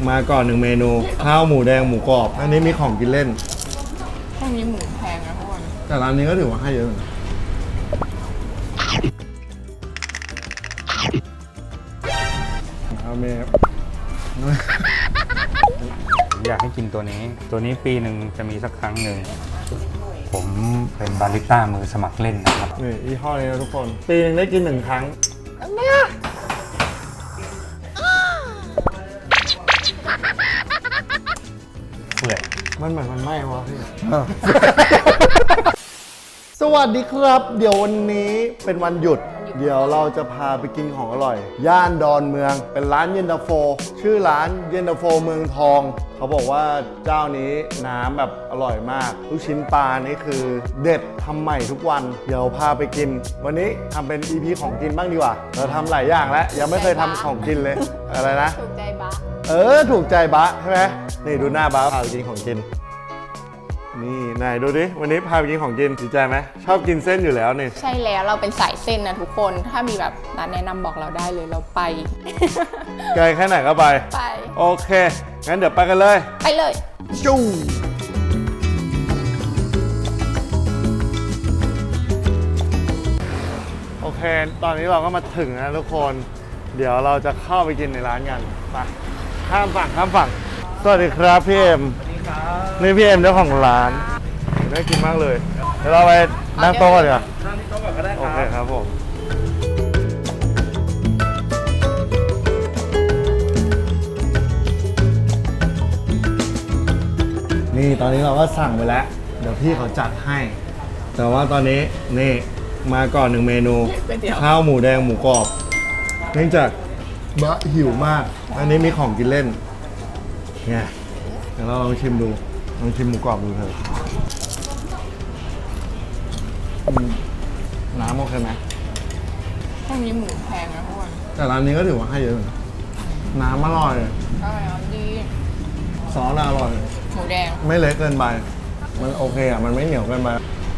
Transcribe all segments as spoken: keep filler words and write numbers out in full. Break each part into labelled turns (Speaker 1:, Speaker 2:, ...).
Speaker 1: มาก่อนหนึ่งเมนูข้าวหมูแดงหมูกรอบอันนี้มีของกินเล่น
Speaker 2: พวกนี้หมูแพงนะทุกคน
Speaker 1: แต่ร้านนี้ก็ถือว่าให้เยอะนะเอาเมฟ
Speaker 3: อยากให้กินตัวนี้ตัวนี้ปีหนึ่งจะมีสักครั้งหนึ่งผมเป็นบาริสต้ามือสมัครเล่นนะครับ
Speaker 1: นี่ยี่ห้อนี้นะทุกคนปีนึงได้กินหนึ่งครั้งเนี่ย
Speaker 3: เปื่อย
Speaker 1: มันเหมือนมันไหม้วะพี่สวัสดีครับเดี๋ยววันนี้เป็นวันหยุดเดี๋ยวเราจะพาไปกินของอร่อยย่านดอนเมืองเป็นร้านเย็นตาโฟชื่อร้านเย็นตาโฟเมืองทองเขาบอกว่าเจ้านี้น้ำแบบอร่อยมากลูกชิ้นปลานี่คือเด็ดทำใหม่ทุกวันเดี๋ยวพาไปกินวันนี้ทำเป็น อี พี ของกินบ้างดีกว่าเราทำหลายอย่างแล้วยังไม่เคยทำของกินเลยอะไรนะ
Speaker 2: ถูกใจบะ
Speaker 1: เออถูกใจบะใช่ไหมนี่ดูหน้าบะพาไปกินของกินนี่นายดูดิวันนี้พาไปกินของกินดีใจไหมชอบกินเส้นอยู่แล้วนี่
Speaker 2: ใช่แล้วเราเป็นสายเส้นนะทุกคนถ้ามีแบบร้านแนะนำบอกเราได้เลยเราไป
Speaker 1: ไกลแค่ไหนก็ไป
Speaker 2: ไป
Speaker 1: โอเคงั้นเดี๋ยวไปกันเลย
Speaker 2: ไปเลย
Speaker 1: จู้โอเคตอนนี้เราก็มาถึงนะทุกคนเดี๋ยวเราจะเข้าไปกินในร้านกันไปข้ามฝั่งข้ามฝั่งสวัสดีครับพี่เอ็มนี่พี่เอ็มเจ้าของร้านน่ากินมากเลยเดี๋ยวเราไปนั่งโต๊ะก่อนดีกว่า
Speaker 4: นั่งที่โต๊ะก่อนก็ได้ครับ
Speaker 1: โอเคครับผมนี่ตอนนี้เราก็สั่งไปแล้วเดี๋ยวพี่เขาจัดให้แต่ว่าตอนนี้นี่มาก่อนหนึ่งเมนูข้าวหมูแดงหมูกรอบเนื่องจากบะหิวมากอันนี้มีของกินเล่นเนี่ยเดี๋ยวเราลองชิมดูลองชิมหมูกรอบดูเถอะน้ำโอเคไหม
Speaker 2: พวกนี้หมูแพงนะทุกคน
Speaker 1: แต่ร้านนี้ก็ถือว่าให้เยอะนะน้ำอร่อย
Speaker 2: อร่อยดี
Speaker 1: ซอสอร่อย
Speaker 2: หมูแดง
Speaker 1: ไม่เละเกินไปมันโอเคอ่ะมันไม่เหนียวเกินไป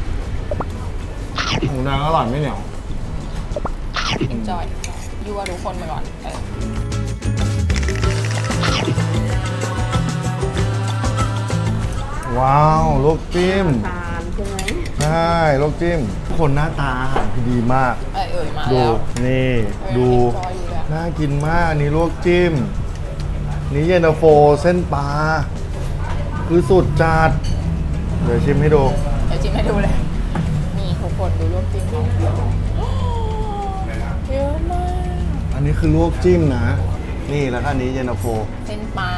Speaker 1: หมูแดงอร่อยไม่เหนียว
Speaker 2: อินจอยยั่วทุกคนไปก่อน
Speaker 1: ว้าวลูกจิ้ม
Speaker 2: ตาลใช่ไหม
Speaker 1: ใช่ลูกจิ้มคนหน้าตาอาหารคือดีมาก
Speaker 2: เอ่ยมา
Speaker 1: ดู
Speaker 2: แล้ว
Speaker 1: นี่ดูน่ากินมากนี่ลวกจิ้มนี่เย็นตาโฟเส้นปลาคือสุดจัดเดี๋ยวชิมให้ดู
Speaker 2: เดี๋ยวชิมให้ดูเลยนี่ทุกคนดูลวกจิ้มเขาเยอะมาก
Speaker 1: อันนี้คือลวกจิ้มนะนี่แล้วก็อันนี้เย็นตาโฟ
Speaker 2: เส้นปลา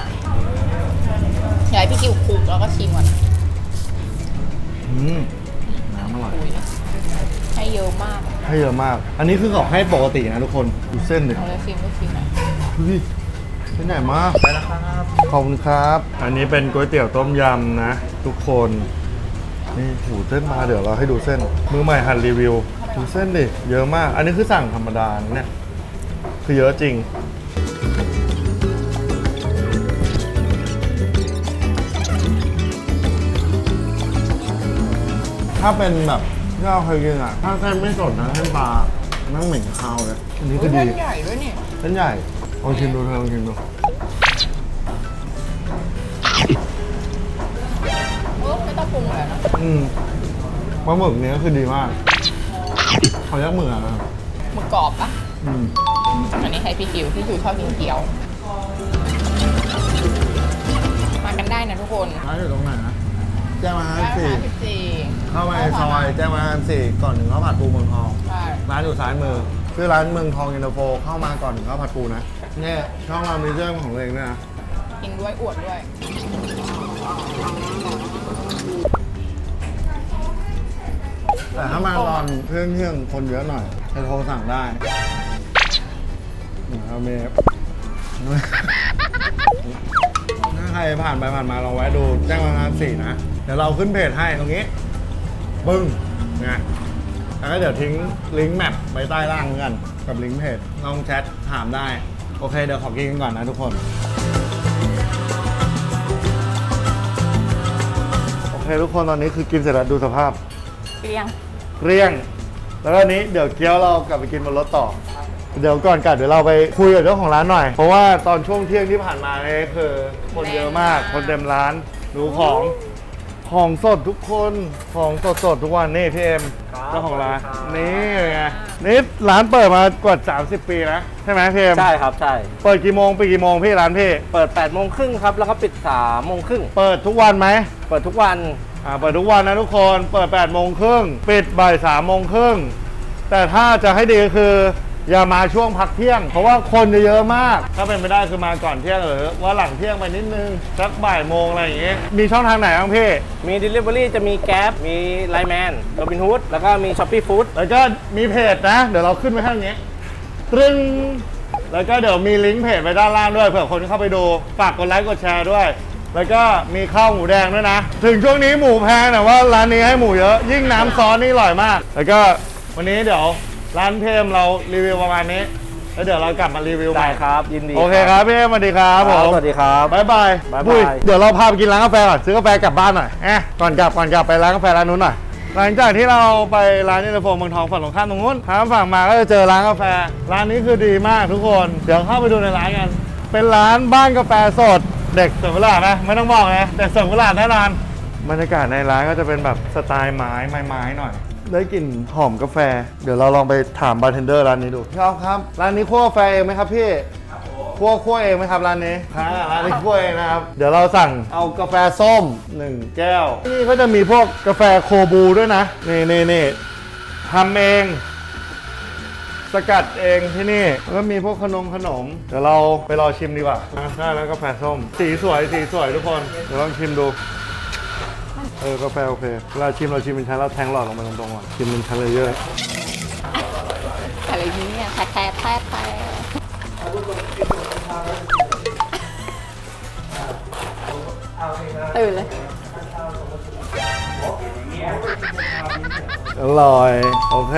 Speaker 2: อยากให้พี่กิวคลุกแล้วก็ชิมก่อน
Speaker 1: อืมน้ำอร่อย
Speaker 2: ให้เยอะมาก
Speaker 1: ให้เยอะมากอันนี้คือเขาให้ปกตินะทุกคนดูเส้นดิ
Speaker 2: เอาเลยชิมก็ชิมหน่อย
Speaker 1: ดูดิเส้นใหญ่มากไปแล้วครับขอบคุณครับอันนี้เป็นก๋วยเตี๋ยวต้มยำนะทุกคนนี่หูเส้นมาเดี๋ยวเราให้ดูเส้นมือใหม่หัดรีวิวดูเส้นดิเยอะมากอันนี้คือสั่งธรรมดาเนี่ยคือเยอะจริงถ้าเป็นแบบที่เราเคยกินอ่ะถ้าเส้นไม่สดนะเส้นปลานั่งเหม็นคาวเลยอันนี้ก็ดี
Speaker 2: เส้นใหญ่ด้วยนี่
Speaker 1: เส้นใหญ่ลองชิมดูเธอลองชิมดู
Speaker 2: โอ้ไม่ต้องปรุงเลยนะ
Speaker 1: อืมปลาหมึกเนี้ยคือดีมากเขายักหมึกอ่ะ
Speaker 2: หมึกกรอบปะ
Speaker 1: อืม
Speaker 2: อันนี้ให้พี่กิวพี่กิวชอบกินเกี๊ยวมากันได้นะทุกคน
Speaker 1: ร้านอยู่ตรงไหนนะแจ้งมาห้าสี่เข้ามาในซอยแจ้งมาห้าสี่ก่อนถึงข้าวผัดปูเมืองทองร้านอยู่ซ้ายมือชื่อร้านเมืองทองเย็นตาโฟเข้ามาก่อนถึงข้าวผัดปูนะเนี่ยช่องเรามีเรื่องของตัวเองด้วยนะ
Speaker 2: กินด้วยอวดด้วย
Speaker 1: แต่ถ้ามาตอนเพื่อนเพื่อนคนเยอะหน่อยจะโทรสั่งได้เอาเมฟถ้าใครผ่านไปผ่านมาลองแวะดูแจ้งมาทางสี่นะเดี๋ยวเราขึ้นเพจให้ตรงนี้ปึ้งไงแล้วก็เดี๋ยวทิ้งลิงก์แมปไว้ใต้ล่างเหมือนกันกับลิงก์เพจลองแชทถามได้โอเคเดี๋ยวขอกินกันก่อนนะทุกคนโอเคทุกคนตอนนี้คือกินเสร็จแล้วดูสภาพ
Speaker 2: เกลี้ยง
Speaker 1: เกลี้ยงแล้วก็นี้เดี๋ยวเกี๊ยวเรากลับไปกินบนรถต่อเดี๋ยวก่อนกลับเดี๋ยวเราไปคุยกับเจ้าของร้านหน่อย เพราะว่าตอนช่วงเที่ยงที่ผ่านมาเนี่ยคือคนเยอะมากคนเต็มร้านดูของของสดทุกคนของสดสดๆทุกวันนี่พี่เอ็มเจ้าของร้านนี่ไงนี่ร้านเปิดมากว่าสามสิบปีนะใช่ไหมพี่เอ็ม
Speaker 4: ใช่ครับใช่
Speaker 1: เปิดกี่โมงไปดกี่โมงพี่ร้านพี่
Speaker 4: เปิดแปดโมงครึ่งครับแล้วก็ปิดสามโมงครึ่ง
Speaker 1: เปิดทุกวันไหม
Speaker 4: เปิดทุกวัน
Speaker 1: อ่าเปิดทุกวันนะทุกคนเปิดแปดโมงครึ่งปิดบ่ายสามโมงครึ่งแต่ถ้าจะให้ดีคืออย่ามาช่วงพักเที่ยง เพราะว่าคนจะเยอะมาก ถ้าเป็นไม่ได้คือมาก่อนเที่ยงหรือว่าหลังเที่ยงไปนิดนึงสักบ่ายโมงอะไรอย่างเงี้ยมีช่องทางไหนบ้างพี่
Speaker 4: มี Delivery จะมีแก๊ปมีไลน์แมนโรบินฮูดแล้วก็มี Shopee Food
Speaker 1: แล้วก็มีเพจนะ เดี๋ยวเราขึ้นไว้ข้างนี้ตรึงแล้วก็เดี๋ยวมีลิงก์เพจไว้ด้านล่างด้วยเผื่อคนเข้าไปดูฝากกดไลค์กดแชร์ด้วย แล้วก็มีข้าวหมูแดงด้วยนะ ถึงช่วงนี้หมูแพงแต่ว่าร้านนี้ให้หมูเยอะยิ่งน้ำซอสนี่อร่อยมาก แล้วก็วันนี้เดี๋ยวร้านเพมเรารีวิวประมาณนี้แล้วเดี๋ยวเรากลับมารีวิวให
Speaker 4: ได้
Speaker 1: ม่
Speaker 4: ครับ ยินดี
Speaker 1: โอเคครับพี่เอ็มสวัสดีครับผม
Speaker 4: สวัสดีครับ
Speaker 1: บ๊ายบาย
Speaker 4: บ๊ายบาย
Speaker 1: อุ้เดี๋ยวเราพาไปกินร้านกาแฟก่อนซื้อกาแฟกลับบ้านหน่อยแอะก่อนกลับก่อนกลับไปร้านกาแฟร้านนู้นหน่อยหลังจากที่เราไปร้านนิลโฟมเมืองทองฝั่งตรงข้ามตรงนู้นทางฝั่งมาก็จะเจอร้านกาแฟร้านนี้คือดีมากทุกคนเดี๋ยวเข้าไปดูในร้านกัน เป็นร้านบ้านกาแฟสดเด็กเสิร์ฟเวลาไหมไม่ต้องบอกนะเด็กเสิร์ฟเวลาแน่นอนบรรยากาศในร้านก็จะเป็นแบบสไตล์ไม้ไม้ๆหน่อยได้กลิ่นหอมกาแฟเดี๋ยวเราลองไปถามบาร์เทนเดอร์ร้านนี้ดูพี่อ๊อฟครับร้านนี้คั่วกาแฟเองไหมครับพี่คั่วคั่วเองไหมครับร้านนี้ค่ะร้านนี้คั่วเองนะครับเดี๋ยวเราสั่งเอากาแฟส้มหนึ่งแก้วนี่ก็จะมีพวกกาแฟโคบูด้วยนะนี่นี่นี่ทำเองสกัดเองที่นี่แล้วก็มีพวกขนมขนมเดี๋ยวเราไปรอชิมดีกว่าได้แล้วกาแฟส้มสีสวยสีสวยทุกคนเดี๋ยวลองชิมดูเออกาแฟโอเคเวลาชิมเราชิมเป็นชั้นเราแทงหลอดลงไปตรงๆก่อนชิมเป็นชั้นเลยเยอะ
Speaker 2: อะไรเนี่ยแท้แท้แท้แท้ตื่นเลย
Speaker 1: อร่อยโอเค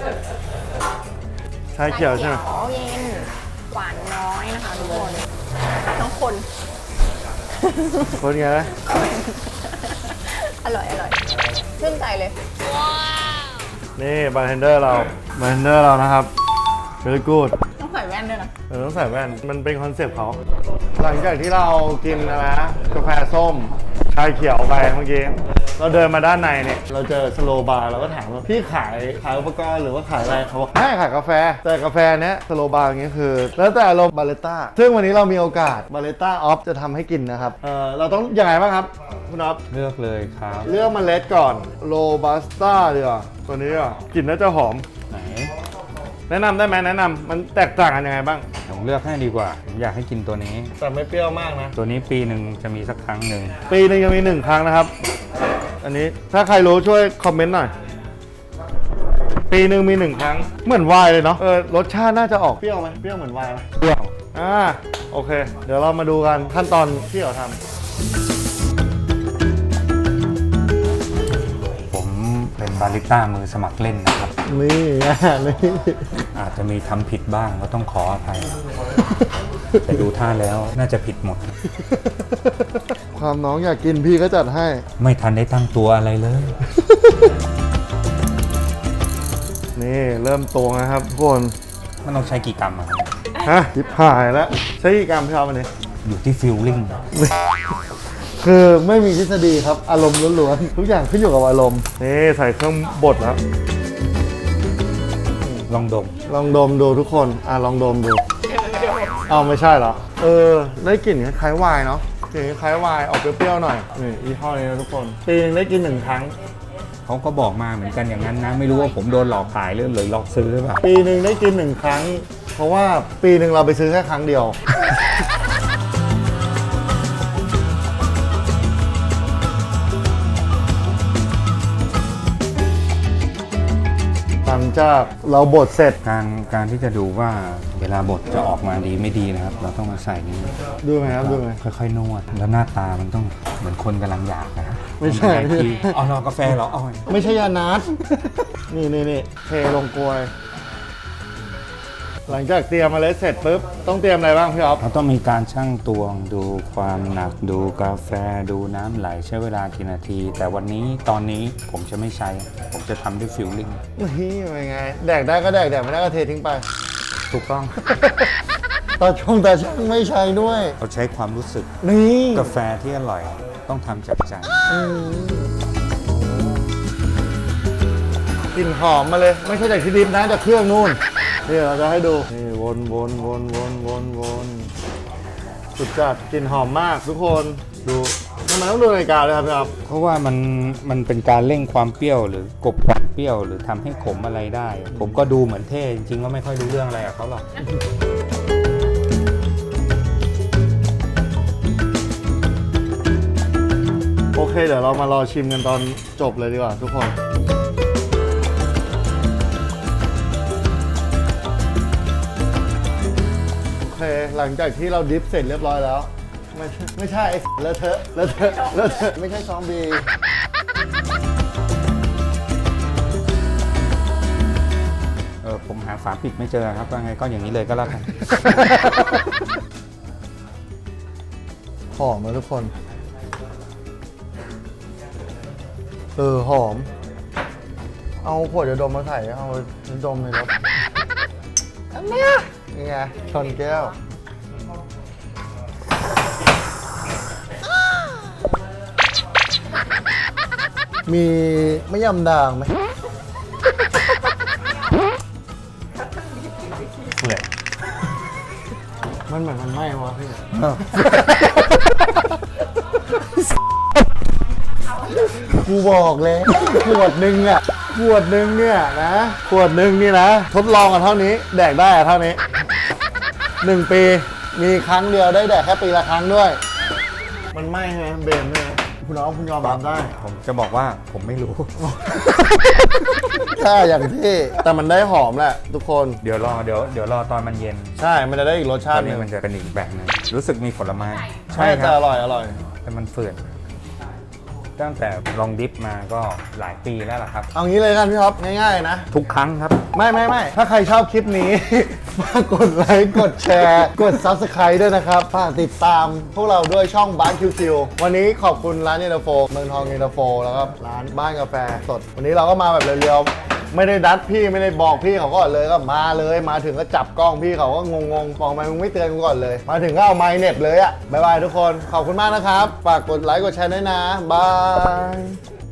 Speaker 1: ชาเขียวใช่ไหม
Speaker 2: อ๋อเย็นหวานน้อยนะคะทุกคนน้องคน
Speaker 1: คนไงนะ
Speaker 2: อร่อยอร่อยชื่นใจเลย
Speaker 1: นี่บาร์เทนเดอร์เราบาร์เทนเดอร์เรานะครับ very good
Speaker 2: ต้องใส่แว่นด้วยนะ
Speaker 1: เออต้องใส่แว่นมันเป็นคอนเซปต์เขาหลังจากที่เรากินนะนะกาแฟส้มชาเขียวไปเมื่อกี้เราเดินมาด้านในเนี่ยเราเจอสโลบาร์เราก็ถามว่าพี่ขายขายอุปกรณ์หรือว่าขายอะไรเขาบอกไม่ขายกาแฟแต่กาแฟเนี้ยสโลบาร์อย่างเงี้ยคือ แล้วแต่เราบาเลต้าซึ่งวันนี้เรามีโอกาสบาเลต้าออฟจะทำให้กินนะครับเออเราต้องยังไงบ้างครับคุณออฟ
Speaker 3: เลือกเลยครับ
Speaker 1: เลือกเมล็ดก่อนโรบัสต้าดีกว่าตัวนี้อ่ะกลิ่นน่าจะหอม
Speaker 3: ไหน
Speaker 1: แนะนำได้ไหมแนะนำมันแตกต่างกันยังไงบ้าง
Speaker 3: ผมเลือกให้ดีกว่าผมอยากให้กินตัวนี้
Speaker 1: แต่ไม่เปรี้ยวมากนะ
Speaker 3: ตัวนี้ปีหนึ่งจะมีสักครั้งหนึ่ง
Speaker 1: ปีหนึงจะมีหนึ่งครั้งนะครับ อันนี้ถ้าใครรู้ช่วยคอมเมนต์หน่อย ปีหนึ่งมีหนึ่งครั้ง เหมือนไวน์เลยเนาะ เออรสชาติน่าจะออกเปรี้ยวไหมเปรี้ยวเหมือนไวน์ไหมเปรี้ยว อ่าโอเค เดี๋ยวเรามาดูกันขั้นตอนที่เราทำ
Speaker 3: ผมเป็นบาริสต้ามือสมัครเล่นนะครับ
Speaker 1: นี่ไงนี่
Speaker 3: อาจจะมีทำผิดบ้างก็ต้องขออภัย แต่ดูท่าแล้วน่าจะผิดหมด
Speaker 1: ความน้องอยากกินพี่ก็จัดให้
Speaker 3: ไม่ทันได้ตั้งตัวอะไรเลย
Speaker 1: นี่เริ่มตวงนะครับทุกคน
Speaker 3: มันต้องใช้กี่กรัมอะครับ
Speaker 1: ฮะทิพหายแล้วใช้กี่กรัมพี่เอามาเนี่ย
Speaker 3: อยู่ที่ฟิลลิ่ง
Speaker 1: คือไม่มีทฤษฎีครับอารมณ์ล้วนๆทุกอย่างขึ้นอยู่กับอารมณ์นี่ใส่เครื่องบดแล้ว
Speaker 3: ลองดม
Speaker 1: ลองดมดูทุกคนอ่ะลองดมดูเอาไม่ใช่เหรอเออได้กลิ่นคล้ายๆไวน์เนาะกลิ่นคล้ายๆไวน์ออกเปรี้ยวๆหน่อยนี่ยี่ห้อนี้นะทุกคนปีนึงได้กินหนึ่งครั้ง
Speaker 3: เขาก็บอกมาเหมือนกันอย่างนั้นนะ ไม่รู้ว่าผมโดนหลอกขายหรือหรือหลอกซื้อหรือเปล่า
Speaker 1: ปีหนึ่งได้กินหนึ่งครั้ง เพราะว่าปีหนึ่งเราไปซื้อแค่ครั้งเดียว หลังจากเราบดเสร็จ
Speaker 3: การการที่จะดูว่าเวลาบดจะออกมาดีไม่ดีนะครับ เราต้องมาใส่นี้
Speaker 1: ดูไหมครับดูไหม
Speaker 3: ค่อยๆนวด แล้วหน้าตามันต้องเหมือนคนกำลังอยากนะ
Speaker 1: ไม่ใช่
Speaker 3: นด้ที่เอารอกาแฟเหรอเอา
Speaker 1: ไม่ใช่ยานัด นี่นี่นี่เทลงกลวย หลังจากเตรียมเมล็ดเสร็จปุ๊บต้องเตรียมอะไรบ้างพี่อ๊อฟ
Speaker 3: เราต้องมีการชั่งตวงดูความหนักดูกาแฟดูน้ำไหลใช้เวลากี่นาที แต่วันนี้ตอนนี้ผมจะไม่ใช้ ผมจะทำด้วยฟิลลิ่ง
Speaker 1: นี่เป็นไง แดกได้ก็แดกแดกไม่ได้ก็เททิ้งไป
Speaker 3: ถูกต้อง
Speaker 1: ตาชงตาช่างไม่ใช้ด้วย
Speaker 3: เราใช้ความรู้สึก
Speaker 1: นี่
Speaker 3: กาแฟที่อร่อยต้องทำจากใจ
Speaker 1: กลิ่นหอมมาเลย ไม่ใช่จากที่ดิบนะจากเครื่องนู่นนี่เราจะให้ดูนี่วนวนวนวนวนวนสุดจัดกลิ่นหอมมากทุกคนดูทำไมต้องดูนาฬิกาเลยครับพี่ครับ
Speaker 3: เพราะว่ามันมันเป็นการเร่งความเปรี้ยวหรือกลบความเปรี้ยวหรือทำให้ขมอะไรได้ ผมก็ดูเหมือนเท่จริงๆก็ไม่ค่อยรู้เรื่องอะไรกับเขาหรอก
Speaker 1: โอเคเดี๋ยวเรามารอชิมกันตอนจบเลยดีกว่าทุกคนโอเคหลังจากที่เราดิฟเสร็จเรียบร้อยแล้ว ไม่ใช่ไม่ใช่ไอ้เลอะเทอะเลอะเทอะเลอะเทอะไม่ใช่ซอมบี้
Speaker 3: เออผมหาฝาปิดไม่เจอครับว่าไงก็อย่างนี้เลยก็แล้วกัน
Speaker 1: หอมนะทุกคน เออ หอม เอาขวดยาดมมาใส่เอายาดมในรถอันเนี้ยนี่ไงชนแก้ว มีไม่ยำด่างไหม
Speaker 3: เปื่อย
Speaker 1: มันเหมือนมันไหม้วะพี่ กูบอกเลยขวดหนึ่งอ่ะขวดหนึ่งเนี่ยนะขวดหนึ่งนี่นะ ทดลองกันเท่านี้ แดกได้อะเท่านี้หนึ่งปีมีครั้งเดียวได้แดกแค่ปีละครั้งด้วย มันไหม้ใช่ไหมเบนใช่ไหมคุณน้องคุณยอมรับได้
Speaker 3: ผมจะบอกว่าผมไม่รู้
Speaker 1: ถ้าอย่างที่แต่มันได้หอมแหละทุกคน
Speaker 3: เดี๋ยวรอเดี๋ยวเดี๋ยวรอตอนมันเย็น
Speaker 1: ใช่ มันจะได้อีกรส
Speaker 3: ต
Speaker 1: ชา
Speaker 3: อ
Speaker 1: ติ
Speaker 3: น
Speaker 1: ห
Speaker 3: นี้
Speaker 1: นึ่ง
Speaker 3: มันจะเป็นอีกแบบหนึงรู้สึกมีผลไม้
Speaker 1: ใช่
Speaker 3: ค
Speaker 1: แต่
Speaker 3: รั
Speaker 1: อร่อยอร่อย
Speaker 3: แต่มันเฟื่อนตั้งแต่ลองดิฟมาก็หลายปีแล้วล่ะครับ
Speaker 1: เอางี้เลยกันพี่ท็อปง่ายๆนะ
Speaker 3: ทุกครั้งครับ
Speaker 1: ไม่ไม่ไม่ถ้าใครชอบคลิปนี้ ฝากกดไลค์กดแชร์ กด Subscribe ด้วยนะครับ ฝากติดตามพวกเราด้วยช่องบ้านคิวคิววันนี้ขอบคุณร้านเย็นตาโฟเมืองทองเย็นตาโฟแล้วก็ร้านบ้านกาแฟสด วันนี้เราก็มาแบบเรียวๆไม่ได้ดัดพี่ไม่ได้บอกพี่เขาก่อนเลยก็มาเลยมาถึงก็จับกล้องพี่เขาก็งงๆบอกทำไมมึงไม่เตือนกูก่อนเลย มาถึงก็เอาไมค์เน็ตเลยอะบ๊ายบายทุกคนขอบคุณมากนะครับฝากกดไลค์กดแชร์ด้วยนะบาย